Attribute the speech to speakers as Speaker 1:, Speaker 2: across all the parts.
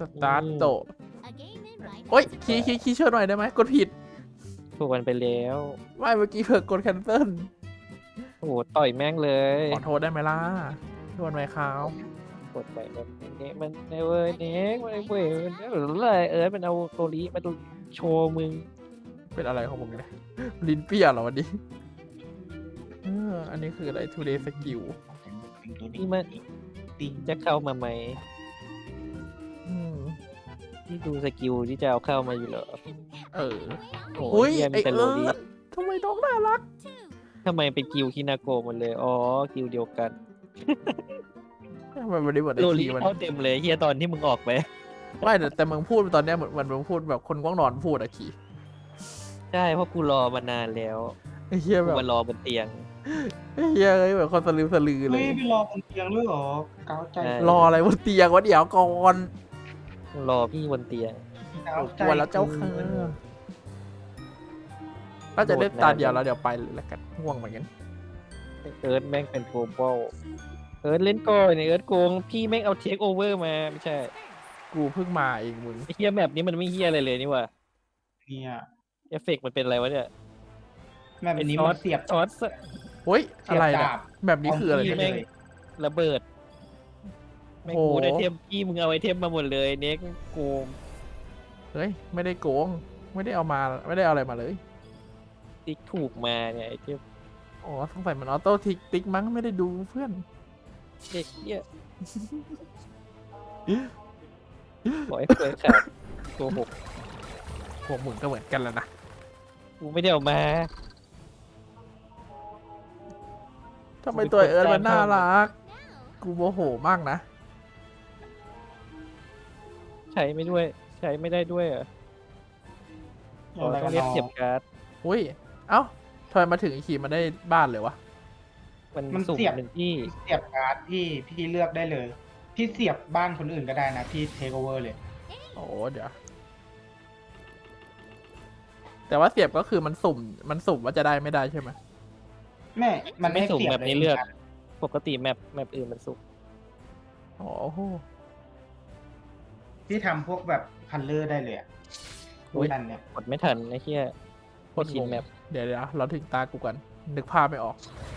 Speaker 1: ตาร์ทโตโอ๊ยคีย์ช่วยหน่อยได้ไหมกดผิด
Speaker 2: ถูกกันไปแล้ว
Speaker 1: ไม่เมื่อกี้เผื่อกดแคนเซิล
Speaker 2: โอ้โหต่อยแม่งเลย
Speaker 1: ขอโทษได้ไหมล่ะโทษไหมครับ
Speaker 2: กดไปแบบนี้มันในเว้ยเน็กมันเว้ยหรืออะไรมันเอาตัวนี้มาโชว์มึง
Speaker 1: เป็นอะไรของผมเนี่ยลิ้นเปรี้ยเหรอวันนี้อันนี้คืออะไร today skill
Speaker 2: นี่มันจะเข้ามาไหม
Speaker 1: อืม
Speaker 2: ที่ดูสกิลที่จะเอาเข้ามาอยู่เหรอ
Speaker 1: เออ
Speaker 2: โอ้
Speaker 1: อุ้ย
Speaker 2: ยเหี้ย
Speaker 1: ไอ
Speaker 2: มีแต่
Speaker 1: เอ
Speaker 2: โร
Speaker 1: อ
Speaker 2: ลี
Speaker 1: ทำไมน้องน่ารัก
Speaker 2: ทำไมเป็นกิลคินาโกะหมดเลยอ๋อกิลเดียวกัน
Speaker 1: ทำไมวันนี้เหมือนไอ
Speaker 2: โรลี
Speaker 1: คีมัน
Speaker 2: เข้าเต็มเลยเฮียตอนที่มึงออกไป
Speaker 1: ไม่แต่มึงพูดตอนเนี้ยเหมือนมึงพูดแบบคนง่วงนอนพูดอะคี
Speaker 2: ใช่เพราะกูรอมานานแล้ว
Speaker 1: ไอ้เหี้ย
Speaker 2: กู
Speaker 1: แบบ
Speaker 2: มารอบนเตียง
Speaker 1: ไอ้เหี้ยเอ้ยแบบคนสลืมสลือเล
Speaker 3: เฮ้
Speaker 1: ย
Speaker 3: ยไปรอบนเตียงด้วยเหรอเก้าใจ
Speaker 2: ใช่
Speaker 1: รออะไรบนเตียงวะเดี๋ยวก่อน
Speaker 2: รอพี่บนเตียง
Speaker 3: เก้าใจ
Speaker 1: กลัวแล้วเจ้าค่ะน่าจะได้ตาเดียวแล้วเดี๋ยวไปเลยละกันง่วงเหมือนกัน
Speaker 2: เอิร์ธแม่งเป็นโกลบอลเอิร์ธเล่นก่อนเนี่ยเอิร์ธโกงพี่แม่งเอาเทคโอเวอร์มาไม่ใช่
Speaker 1: กูเพิ่งมาเองมึง
Speaker 2: ไอ้เฮียแมปนี้มันไม่เฮียอะไรเลยนี่หว่า
Speaker 3: เนี่ย
Speaker 2: เอฟเฟกต์มันเป็นอะไรวะเนี่ย
Speaker 3: แบบนี้มันเสียบ
Speaker 2: ช็อต
Speaker 1: เฮ้ย
Speaker 3: เสี
Speaker 1: อะ
Speaker 3: ยบ
Speaker 1: ไร
Speaker 3: ดา
Speaker 1: เนี่ย
Speaker 3: บ
Speaker 1: แบบนี้คืออะไร
Speaker 2: พี่
Speaker 1: เนี่ย
Speaker 2: แม่งระเบิดแม่ง
Speaker 1: โอ้โห
Speaker 2: กูได้ไอเทมพี่มึงเอาไอเทมมาหมดเลยเน็กโกง
Speaker 1: เฮ้ยไม่ได้โกงไม่ได้เอามาไม่ได้เอาอะไรมาเลย
Speaker 2: ติ๊กถูกมาเนี่ยไอเทม
Speaker 1: อ๋อสงสัยมันออโต้ติ๊กมั้งไม่ได้ดูเพื่อน
Speaker 2: เด็กเฮียบอกให้เปิดขาดโกหก
Speaker 1: พวกมึงก็เหมือนกันแล้วนะ
Speaker 2: กูไม่ได้เอามา
Speaker 1: ทำไมตัวเอิร์ธมันน่ารักกูโมโหมากนะ
Speaker 2: ใช้ไม่ด้วยใช้ไม่ได้ด้วยเหรอ่ะ
Speaker 3: อะไร
Speaker 2: ต้
Speaker 3: กั
Speaker 2: อน งเรียก
Speaker 3: เนาะ
Speaker 2: เสียบการ์ด
Speaker 1: อุ้ยเอ้าทำไมมาถึงอีกขี่มันได้บ้านเลยวะ
Speaker 2: มันสุ่มหนึ่งที่
Speaker 3: เสียบการ์ดพี่เลือกได้เลย พี่เสียบบ้านคนอื่นก็ได้นะพี่เทคโอเวอร์เลย
Speaker 1: โอ้เดี๋ยวแต่ว่าเสียบก็คือมันสุ่มว่าจะได้ไม่ได้ใช่ไหม
Speaker 3: แม่มัน
Speaker 2: ไม่
Speaker 3: ให้
Speaker 2: สุ่ม
Speaker 3: เสียบ
Speaker 2: แบบนี้เลือก ปกติแมปอื่นมันสุ่ม
Speaker 1: อ๋อโห
Speaker 3: พี่ทำพวกแบบคันเลอร์ได้เลยอ่ะนั่นเนี่ย
Speaker 2: กดไม่ทันไอ้เหี้ย
Speaker 1: โค
Speaker 2: ไม่
Speaker 1: ตร
Speaker 2: ชิ
Speaker 1: ง
Speaker 2: น
Speaker 1: ง
Speaker 2: แมป
Speaker 1: เดี๋ยวเราถึงตากูกันนึกภาพไม่ออก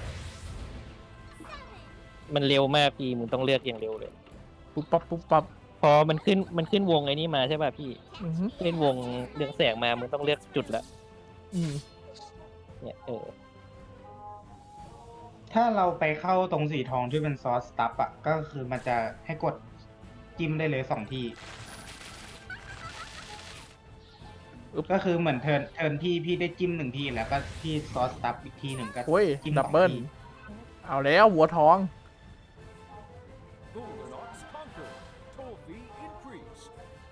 Speaker 2: มันเร็วมากพี่มึงต้องเลือกอย่างเร็วเลย
Speaker 1: ปุ๊บปั๊บ
Speaker 2: พอมันขึ้นวงไอ้นี่มาใช่ป่ะพี่
Speaker 1: อือฮึ
Speaker 2: ขึ้นวงเรืองแสงมามึงต้องเลือกจุดละ
Speaker 1: อืม
Speaker 2: เนี่ย
Speaker 3: ถ้าเราไปเข้าตรงสีทองที่เป็นซอสสตัฟอ่ะก็คือมันจะให้กดจิ้มได้เลย2 ทีก็คือเหมือนเทิร์นพี่ได้จิ้ม1 ทีแล้วก็ที่ซอสสตัฟอีกทีหนึ่งก็
Speaker 1: โอ้ย
Speaker 3: จิ้ม
Speaker 1: ดับเบิล
Speaker 3: 2 ที
Speaker 1: เอาแล้ววัวทอง
Speaker 4: Goldenox conquered. Trophy increased.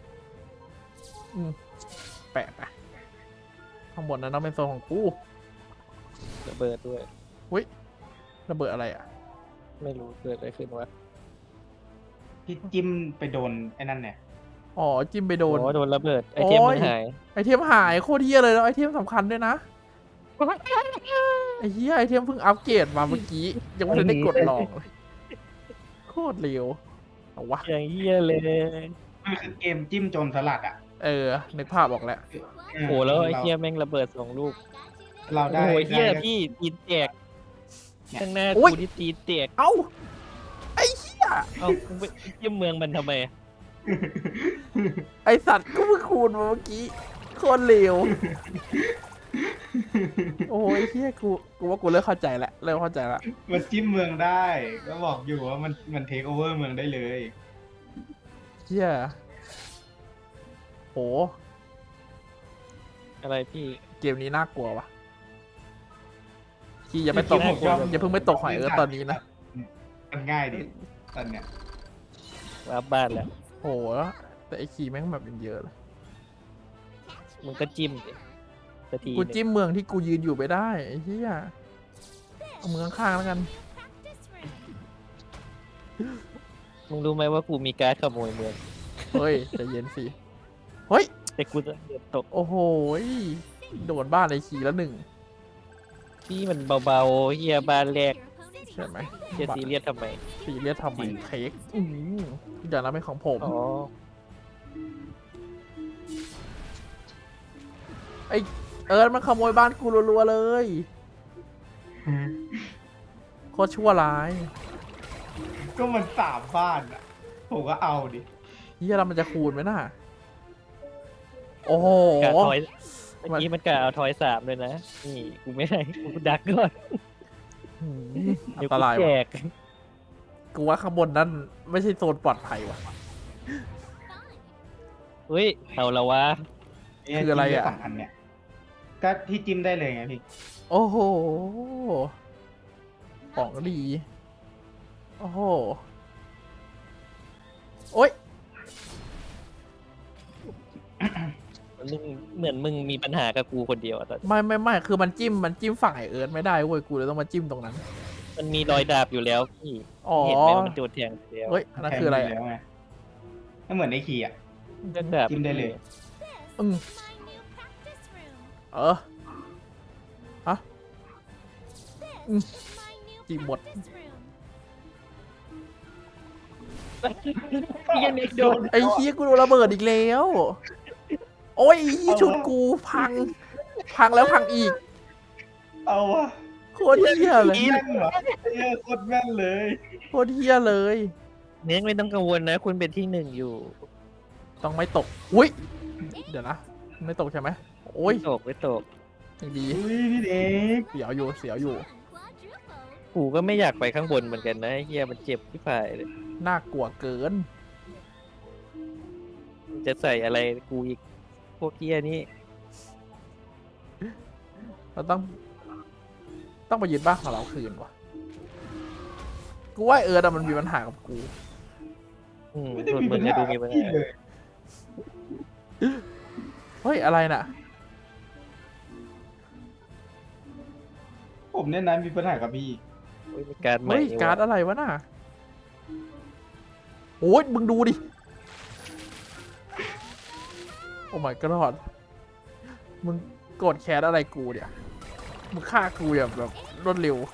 Speaker 1: แปะไปข้างบนนั้นต้องเป็นโซนของกู
Speaker 2: ระเบิดด้วย
Speaker 1: ระเบิดอะไรอ่ะ
Speaker 2: ไม่รู้เกิดอะไรขึ้นวะ
Speaker 3: พี่จิ้มไปโดนไอ้นั่นเนี่ย
Speaker 1: อ๋อจิ้มไปโดน
Speaker 2: โดนระเบิดไอเทม
Speaker 1: โอ้
Speaker 2: มั
Speaker 1: ย
Speaker 2: นหาย
Speaker 1: ไอเทมหายโคตรเฮียเลยแล้วไอเทมสำคัญด้วยนะไอเฮียไอเทมเพิ่งอัปเกรดมาเมื่อกี้ยังไม่ทันได้กดลองเลยโคตรเร็วเอาวะ
Speaker 2: อย่างเหี้ยเลย
Speaker 3: มันคือเกมจิ้มโจรสลัดอ่ะ
Speaker 1: นึกภาพออกแล้ว
Speaker 2: โอ้โหแล้วไอ้เหี้ยแม่งระเบิด2 ลูก
Speaker 3: เรา
Speaker 2: โอ้
Speaker 3: ได้
Speaker 2: โหเหี้ย
Speaker 3: ได้
Speaker 2: พี่ตีนแตกข้างหน้า
Speaker 1: โอ้ย
Speaker 2: กูที่ตีนแตก
Speaker 1: เอ้าไอเฮีย
Speaker 2: เอากูไปเยี่ยมเมืองมันทำไม
Speaker 1: ไอสัตว์ก็เพิ่งคูณมาเมื่อกี้โคตรเร็วโอ้ยเฮียกูว่ากูเริ่มเข้าใจแล้วเริ่มเข้าใจละ
Speaker 3: มันจิ้มเมืองได้ ก็บอกอยู่ว่ามันเทคโอเวอร์เมืองได้เลย
Speaker 1: เฮียโห
Speaker 2: อะไรพี่
Speaker 1: เกมนี้น่ากลัววะคีอย่าไปตก
Speaker 2: น่ากลัว
Speaker 1: อย่าเพิ่งไปตกหอยตอนนี้นะ
Speaker 3: มันง่ายดิตอนเนี้ย
Speaker 2: รับบ้านแล้ว
Speaker 1: โหแต่ไอคีแม่งแบบเยอะเลย
Speaker 2: มึงก็จิ้มดิสักที
Speaker 1: กู
Speaker 2: หนึ่ง
Speaker 1: จิ้มเมืองที่กูยืนอยู่ไม่ได้ไอ้เหี้ยเอาเมืองข้างๆแล้วกัน
Speaker 2: มึงรู้ไหมว่ากูมีการ์ดขโมยเมือง
Speaker 1: เฮ้ยใจเย็นสิเฮ้ย
Speaker 2: แต่กูจะเดือดตก
Speaker 1: โอ้โหโดนบ้านไอคีแล้วหนึ่ง
Speaker 2: พี่มันเบาๆเฮียบ้านแรก
Speaker 1: ใช่ไหม
Speaker 2: จะซีเรียสทำไม
Speaker 1: ซีเรียสทำไมเค้กอย่างนั้นเป็นของผม
Speaker 2: อ๋อ
Speaker 1: ไอเอิร์ธมันขโมยบ้านกูรัวๆเลยโคตรชั่วร้าย
Speaker 3: ก็มัน3 บ้านอ่ะผมก็เอาดิ
Speaker 1: เฮียเรามันจะคูณไหมน่ะโอ้โห
Speaker 2: กะทอยเมื่อกี้มันกะเอาทอย3เลยนะ นี่กูไม่ให้กูดักก่อน
Speaker 1: หืมอั
Speaker 2: เดี๋ย
Speaker 1: น
Speaker 2: ว
Speaker 1: ต
Speaker 2: กู
Speaker 1: ราย
Speaker 2: แจ
Speaker 1: ว่ะ
Speaker 2: ก
Speaker 1: กูว่าข้างบนนั้นไม่ใช่โซนปลอดภัยว่ะ
Speaker 2: เฮ้ยเอาละวะ
Speaker 3: เนี่ย
Speaker 1: คืออะไรอะ
Speaker 3: จิ้มด้2 อันเนี่ย ก็ที่จิ้มได้เลยไงพี่
Speaker 1: โอ้โห ของดี โอ้โห โอ๊ย
Speaker 2: มึงเหมือนมึงมีปัญหากับกูคนเดียวอะตอน
Speaker 1: ไม่คือมันจิ้มฝั่งไอเอิร์ธไม่ได้เว้ย กูเลยต้องมาจิ้มตรงนั้น
Speaker 2: มันมีรอยดาบอยู่แล้วพี่
Speaker 1: อ๋อ
Speaker 2: เห็นไหมว่ามันโดนแทงไปแล้ว
Speaker 1: เฮ้ย อันนั้นคืออะไร
Speaker 3: แทง
Speaker 1: อะ
Speaker 3: ยู่แล้วไงไม่เหมือนในคีย์อ่ะ
Speaker 2: เรื่องดาบ
Speaker 3: จิ้มได้เลย
Speaker 1: อืม เออ ฮะ จิ้มหมด
Speaker 2: พี่ยันเอกโดน
Speaker 1: ไอ้เฮียกูโดนระเบิดอีกแล้ว โอ้ยไอ้เฮียชุดกูพังแล้วพังอีก
Speaker 3: เอาวะ
Speaker 1: โคตรเฮียเลย
Speaker 3: แม่นเหรอไอ้เหี้ยโคตรแม่นเลย
Speaker 1: โคตรเฮียเลย
Speaker 2: เนื้อไม่ต้องกังวลนะ คุณเป็นที่ 1อยู่
Speaker 1: ต้องไม่ตก อุ้ย เดี๋ยวนะ ไม่ตกใช่ไหม โอ้ย
Speaker 2: ไม่ตก
Speaker 1: ยังดี
Speaker 3: อุ้ยพี่เด็ก
Speaker 1: เสียวอยู่
Speaker 2: กูก็ไม่อยากไปข้างบนเหมือนกันนะไอ้เฮียมันเจ็บที่ผายเลย
Speaker 1: น่ากลัวเกิน
Speaker 2: จะใส่อะไรกูอีกพวกเฮียนี่
Speaker 1: เราต้องไปยึดบ้านของเราคืนว่ะ กูว่าเอิร์ธอะมันมีปัญหากับกู
Speaker 3: ไม่ได้
Speaker 2: ส่วน
Speaker 3: มี
Speaker 2: มึ
Speaker 3: ปั
Speaker 2: ง
Speaker 3: ญ
Speaker 2: จะ
Speaker 3: หา
Speaker 2: ดูมีปัญ
Speaker 3: พี่
Speaker 2: หา
Speaker 3: เลย
Speaker 1: เฮ้ย อะไรน่ะ
Speaker 3: ผมเนี่ยนะมีปัญหากับพี่
Speaker 2: เฮ้ยมีการใหม่
Speaker 1: เฮ้ย
Speaker 2: นี่
Speaker 1: การ์ด
Speaker 2: วะ
Speaker 1: อะไรวะน่ะ โอ้ยมึงดูดิ โอ้ my god มึงโกรธแค้นอะไรกูเนี่ย มึงฆ่ากูแบบรวดเร็ว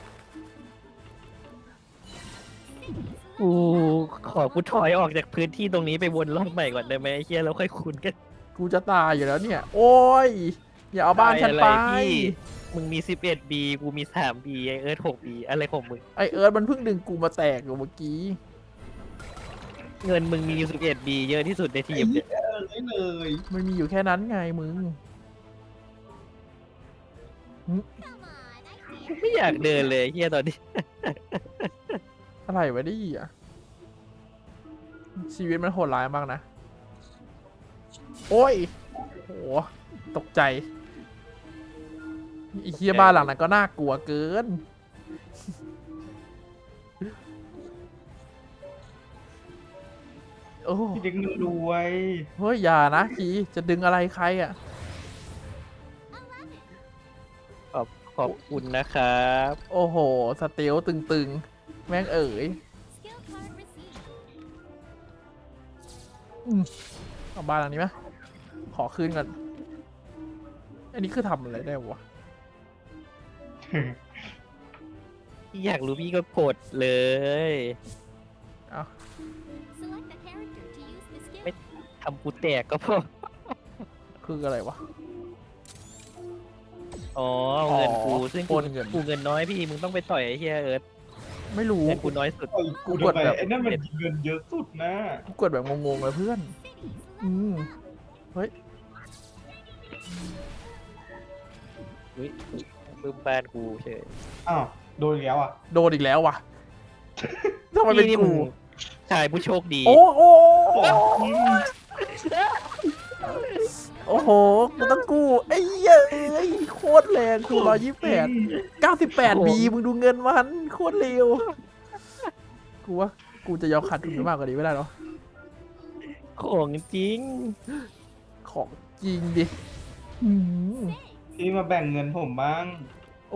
Speaker 2: กูขอกูถอยออกจากพื้นที่ตรงนี้ไปวนรอบใหม่ก่อนได้ไหมไอ้เฮียแล้วค่อยคุ้นกัน
Speaker 1: กูจะตายอยู่แล้วเนี่ย โอ้ย อย่าเอาบ้านฉันไป
Speaker 2: อะไรพี่มึงมี 11B กูมี 3B ไอเอิร์ธ 6B อะไรของมึง
Speaker 1: ไอเอิร์ธมันเพิ่งดึงกูมาแตกอยู่เมื่อกี้
Speaker 2: เงินมึงมี 11B เยอะที่สุดในทีมเนี่ย
Speaker 3: เลย
Speaker 1: มันมีอยู่แค่นั้นไงมึง
Speaker 2: ไม่อยากเดินเลยเฮียตอนนี้
Speaker 1: อะไรวะนี่อ่ะ ชีวิตมันโหดร้ายมากนะ โอ้ยโหตกใจไอีเคียบ้านหลังนั้นก็น่ากลัวเกิน โอ้
Speaker 3: พี่เด็กมันรวย
Speaker 1: เฮ้ยอย่านะคีจะดึงอะไรใครอ่ะ
Speaker 2: ขอบคุณนะครับ
Speaker 1: โอ้โห สเตลตึงๆ แม่งเอ๋ยเอาบ้านหลังนี้ไหมขอคืนก่อน อันนี้คือทำอะไรได้วะ
Speaker 2: พี่อยากรู้พี่ก็กดเลย
Speaker 1: เอา
Speaker 2: ทำกูแตกก็พอ
Speaker 1: คืออะไรวะ
Speaker 2: อ๋อเอาเงินกู
Speaker 1: อ๋อ
Speaker 2: ซึ่ง
Speaker 1: โอนเงิน
Speaker 2: กูเงินน้อยพี่มึงต้องไปต่อยไอ้เฮียเอิร์ธ
Speaker 1: ไม่รู้
Speaker 2: เงินกูน้อยสุด
Speaker 3: ไอ้กู
Speaker 1: กดแบบ
Speaker 3: ไอ้นั่นมันเงินเยอะสุดนะ
Speaker 1: กูกดแบบงงๆเลยเพื่อน อืมเฮ้ย
Speaker 2: อุ้ยบึ้มบ้านกูเฉย
Speaker 3: อ้าวโดนอีกแล้วอ่ะ
Speaker 1: โดนอีกแล้วว่ะทำไมเป็น
Speaker 2: นี่
Speaker 1: กู
Speaker 2: มึงชายผู้โชคดี
Speaker 1: โอ้โอ้โอ้โห กูต้องกู้ไอ้เหี้ยเอ้ยโคตรแรงคู128 บีมึงดูเงินมันโคตรเร็ว กูว่ากูจะยอมขาดทุนไปมากกว่านี้ไม่ได้หรอ
Speaker 2: ของจริง
Speaker 1: ของจริงดิหืม
Speaker 3: พี่มาแบ่งเงินผมบ้าง
Speaker 1: โอ้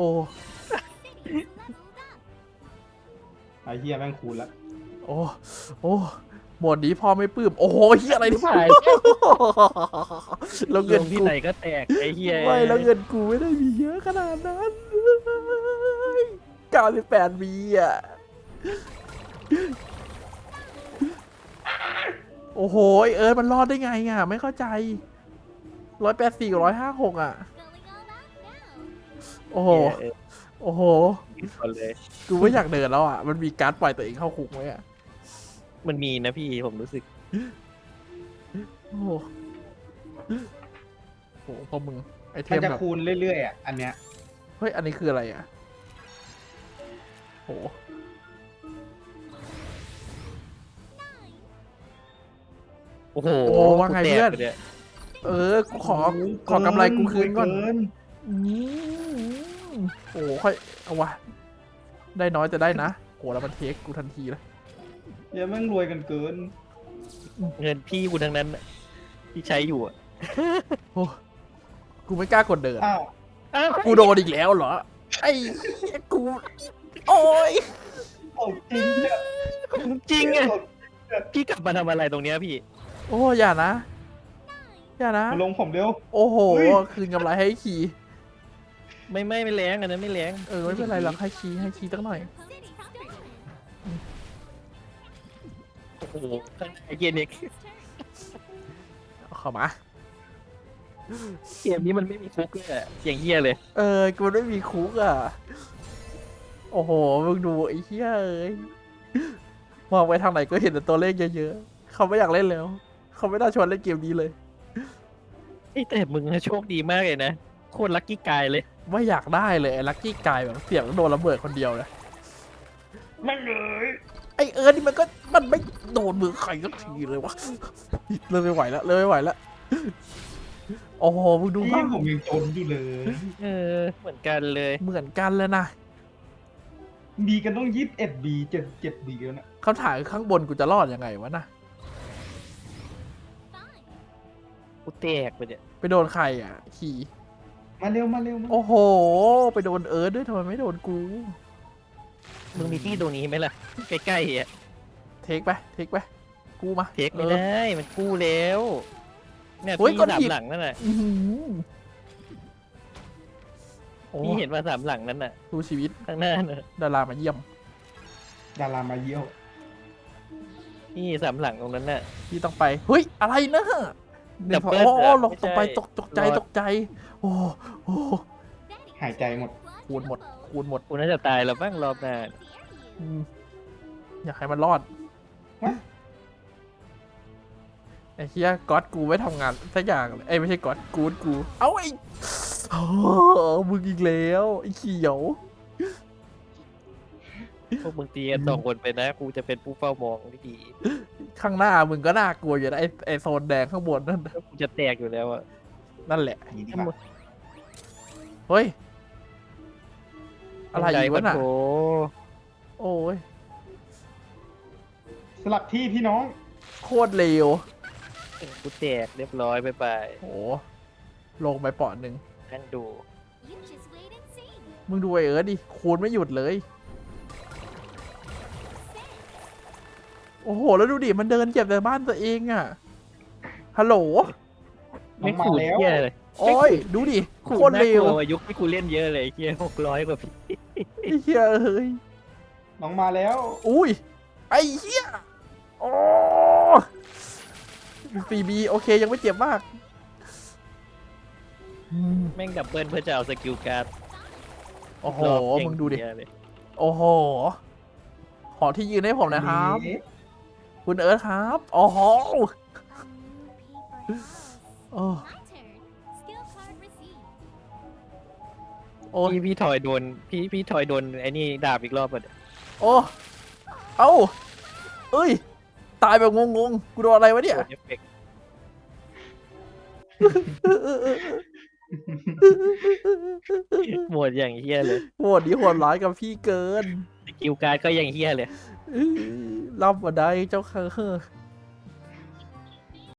Speaker 3: ไอ้เฮียแม่งคูณละ
Speaker 1: โอ้โอ้หมดนี้พ่อไม่ปลื้มโอ้โหเฮียอะไรที่ผ่านแล้ว
Speaker 2: ล
Speaker 1: เงิน
Speaker 2: งที่
Speaker 1: กู
Speaker 2: ไหนก็แตกไอ้เฮีย
Speaker 1: ไม่แล้วเงินกูไม่ได้มีเยอะขนาดนั้น98 บีอ่ะโอ้โหเอิร์ธมันรอดได้ไงอ่ะไม่เข้าใจ 184กับ156อ่ะ โอ้โห โอ้โห
Speaker 2: ผิดคนเลย
Speaker 1: กูไม่อยากเดินแล้วอ่ะ มันมีการ์ดปล่อยตัวเองเข้าคุกไหมอ่ะ
Speaker 2: มันมีนะพี่ผมรู้สึก
Speaker 1: โอ้โหโอ้โหพอมึงไอเท
Speaker 3: มัน
Speaker 1: ม
Speaker 3: จะ
Speaker 1: แบบ
Speaker 3: คูณเรื่อยๆอ่ะ อันเนี้ย
Speaker 1: เฮ้ย อันนี้คืออะไรอ่ะโห
Speaker 2: โอ้โห
Speaker 1: โอ้ว่าไงเพื่อน
Speaker 2: กูแตกไปย
Speaker 1: เออ กูขอกำไรกูคืนก่อน
Speaker 3: เกิน
Speaker 1: อืมโอ้โหค่อย เอาวะ ได้น้อยแต่ได้นะโหแล้วมันเทคกูทันทีเลย
Speaker 3: เดี๋ยวแม่งรวยกันเกิน
Speaker 2: เงินพี่กูทั้งนั้นน่ะที่ใช้อยู่อะ
Speaker 1: โอ้กูไม่กล้ากดเดิน
Speaker 3: อ้าว
Speaker 2: อ้าว
Speaker 1: กูโดนอีกแล้วเหรอ ไอ้เหี้ยกู โอ้ย
Speaker 3: เอาจริงเนี่ย
Speaker 2: จริงอะพี่กลับมาทำอะไรตรงเนี้ยพี่
Speaker 1: โอ้อย่านะ อย่านะ
Speaker 3: มาลงผมเร็ว
Speaker 1: โอ้โห
Speaker 3: เฮ้ย
Speaker 1: คืนกำไรให้คี
Speaker 2: ไม่แรงอันนั้นไม่แรง
Speaker 1: เออไม่เป็นไรหรอกให้คีตั้งหน่อย
Speaker 2: โอ้โหข้างในเกมนี้
Speaker 1: เอาเข้ามา
Speaker 2: เกมนี้มันไม่มีฟุกเลยอะอย่างเฮี้ยเลย
Speaker 1: เออ กูไม่มีคุกอ่ะ โอ้โห มึงดูไอ้เหี้ยเอ้ยมองไปทางไหนก็เห็นแต่ตัวเลขเยอะๆ เขาไม่อยากเล่นแล้ว เขาไม่น่าชวนเล่นเกมนี้เลย
Speaker 2: เอ้ยแต่มึงโชคดีมากเลยนะโคตรลัคกี้กายเลย
Speaker 1: ไม่อยากได้เลยไอ้ลัคกี้กายแบบเสียงโดนระเบิดคนเดียวเลย
Speaker 3: แม่งเลย
Speaker 1: ไอ้เอิร์ธนี่มันไม่โดนมือใครสักทีเลยวะเริ่มไม่ไหวแล้วเริ่มไม่ไหวแล้ว โอ้โห มึงดู
Speaker 3: พี่
Speaker 1: บ้าง
Speaker 3: ผมยังจนอยู่เลย
Speaker 2: เออเหมือนกันเลย
Speaker 1: เหมือนกันเลยนะ
Speaker 3: มีกันต้อง21 บี7 บีแล้วนะ
Speaker 1: คำถามคือข้างบนกูจะรอดยังไงวะนะ
Speaker 2: กูแตกไปเนี่ย
Speaker 1: ไปโดนใครอ่ะ ขี่
Speaker 3: มาเร็วมาเร็วมา
Speaker 1: โอ้โห ไปโดนเอิร์ธด้วยทำไมไม่โดนกู
Speaker 2: มึงมีที่ตรงนี้ไหมล่ะใกล้ๆอ่ะ
Speaker 1: เทคไป กูมา
Speaker 2: เทคไม่ได้มันกู้แล้วเนี่ย
Speaker 1: เฮ้ย
Speaker 2: พี่
Speaker 1: ก้อน
Speaker 2: สา
Speaker 1: หิ
Speaker 2: ม
Speaker 1: น
Speaker 2: หลังนั่นน่ะ
Speaker 1: อื้อหือโอ้
Speaker 2: พี่เห็นว่าสามหลังนั้นน่ะ
Speaker 1: ดูชีวิต
Speaker 2: ข้างหน้าน่ะ
Speaker 1: ดารามาเยี่ยม
Speaker 3: ดารามาเยี่ยว
Speaker 2: พี่สามหลังตรงนั้นน่ะ
Speaker 1: ที่ต้องไป เฮ้ย อะไรนะหนึ่ง
Speaker 2: ดับเบิ้ล
Speaker 1: โอ้
Speaker 2: อะ
Speaker 1: หลอกตกไป
Speaker 2: ไม่ใช่
Speaker 1: ตกใจ
Speaker 2: รอด
Speaker 1: ตกใจ โอ้โอ้
Speaker 3: หายใจหมด
Speaker 1: คูณหมด
Speaker 2: กูน่าจะตายแล้วบ้างรอบหน้า
Speaker 1: อืมอยากให้มันรอด
Speaker 3: วะ
Speaker 1: ไอ้เฮียก๊อตกูไม่ทำงานสักอย่างเลยไอ้ยไม่ใช่ก๊อตกู เอ้าไอ้โอ้มึงอีกแล้วไอ้เขียว
Speaker 2: พวกมึงตีกันสองคนไปนะกูจะเป็นผู้เฝ้ามองที่ดี
Speaker 1: ข้างหน้ามึงก็น่ากลัวอยู่นะไอ้โซนแดงข้างบนนั่น
Speaker 2: แล้วกูจะแตกอยู่แล้วอ่ะ
Speaker 1: นั่นแหละ
Speaker 3: อย่างนี้ดีกว่า
Speaker 1: เฮ้ย อะไรอีกวะน่ะ
Speaker 2: โอ้
Speaker 1: โอ้ย
Speaker 3: สลับที่พี่น้อง
Speaker 1: โคตรเร็ว
Speaker 2: กูแตกเรียบร้อยไป
Speaker 1: โอ้ลงไปเปาะหนึ่ง
Speaker 2: นั่งดู
Speaker 1: มึงดูไอ้เอิร์ธดิคูณไม่หยุดเลย โอ้โห แล้วดูดิ มันเดินเหยียบแต่บ้านตัวเองอะฮัลโหล
Speaker 3: น้อ
Speaker 2: ไม่
Speaker 3: งมา
Speaker 2: ขูด
Speaker 3: แล้ว
Speaker 2: เฮี้ยเลย
Speaker 1: โอ้ย ดูดิ
Speaker 2: ขูด
Speaker 1: โคตร
Speaker 2: น่า
Speaker 1: เร็
Speaker 2: ก
Speaker 1: ว
Speaker 2: ลัวยุคที่กูเล่นเยอะเลยเฮี้ย600 กว่าพี่
Speaker 1: ไอ้เหี้ยเอ้ย
Speaker 3: น้องมาแล้ว
Speaker 1: อุ้ย ไอ้เหี้ย โอ้4B โอเค ยังไม่เจ็บมากอืม
Speaker 2: แม่งดับเบิลเพื่อจะเอาสกิลการ์ด
Speaker 1: โอ้โห
Speaker 2: รอบเก่
Speaker 1: มึงดูดิ
Speaker 2: เหี้ยเลย
Speaker 1: โอ้โห ขอที่ยืนให้ผมหนะครับ
Speaker 3: เอ๊ะ
Speaker 1: คุณเอิร์ธครับ โอ้โหโอ้โอ้
Speaker 2: พี่ถอยโดนพี่ถอยโดนไอ้นี่ดาบอีกรอบอ่ะ
Speaker 1: โอ้ เอ้า เอ้ย ตายแบบงงๆ กูโดนอะไรวะเนี่ย
Speaker 2: โดนเอฟเฟกต์หมดอย่างเฮี้ยเลย
Speaker 1: โหดดีโหดร้ายกับพี่เกิน
Speaker 2: สกิลการ์ดก็อย่างเฮี้ยเลย
Speaker 1: รับมาได้เจ้าค่ะ